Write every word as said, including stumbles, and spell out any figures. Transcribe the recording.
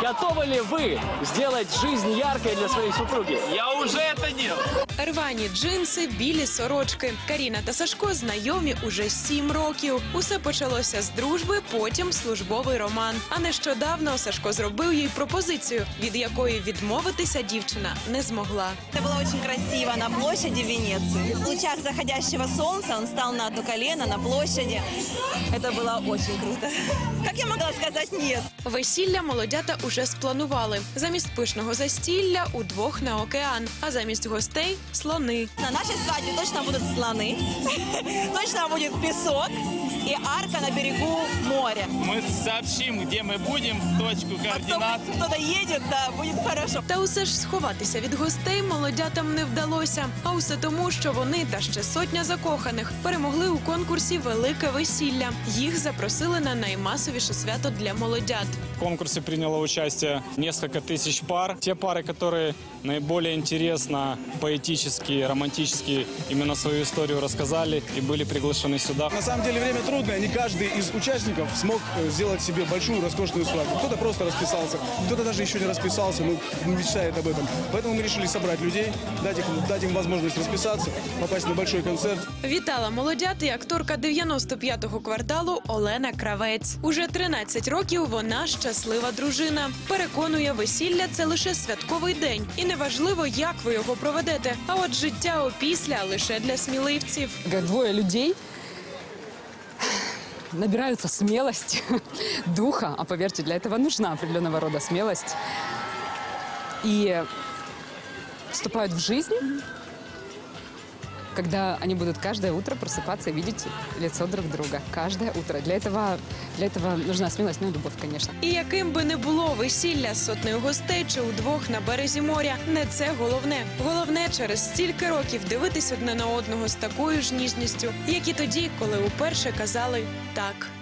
Готовы ли вы сделать жизнь яркой для своей супруги? Я уже это делал. Рвані джинси, білі сорочки. Каріна та Сашко знайомі уже сім років. Усе почалося з дружби, потім службовий роман. А нещодавно Сашко зробив їй пропозицію, від якої відмовитися дівчина не змогла. Это было очень красиво на площади Венеции. В лучах заходящего солнца он встал на одно колено на площади. Это было очень круто. Как я могла сказать нет? Весілля молодята уже спланували. Замість пишного застілля удвох на океан, а замість гостей – слони. На нашей свадьбе точно будут слоны, точно будет песок и арка на берегу моря. Мы сообщим, где мы будем, точку координат. Кто-то едет, да, будет хорошо. Та усе ж сховатися від гостей молодятам не вдалося. А усе тому, що вони та ще сотня закоханих перемогли у конкурсі «Велике весілля». Їх запросили на наймасовіше свято для молодят. В конкурсе приняло участие несколько тысяч пар. Те пары, которые наиболее интересно, поэтически, романтически именно свою историю рассказали и были приглашены сюда. На самом деле время трудное, не каждый из участников смог сделать себе большую роскошную свадьбу. Кто-то просто расписался, кто-то даже еще не расписался, но мечтает об этом. Поэтому мы решили собрать людей, дать, их, дать им возможность расписаться, попасть на большой концерт. Вітала молодят і акторка дев'яносто п'ятого кварталу Олена Кравець. Уже тринадцять років вона щаслива дружина. Переконує, весілля – це лише святковий день. І неважливо, як ви його проведете. А от життя опісля – лише для сміливців. Двое людей набираются смелости, духа, а поверьте, для этого нужна определенного рода смелость, и вступают в жизнь, когда они будут каждое утро просыпаться и видеть лицо друг друга. Каждое утро. Для этого, для этого нужна смелость, ну и любовь, конечно. І яким би не було весілля з сотнею гостей чи удвох на березі моря, не це головне. Головне через стільки років дивитись одне на одного з такою ж ніжністю, як і тоді, коли уперше казали «так».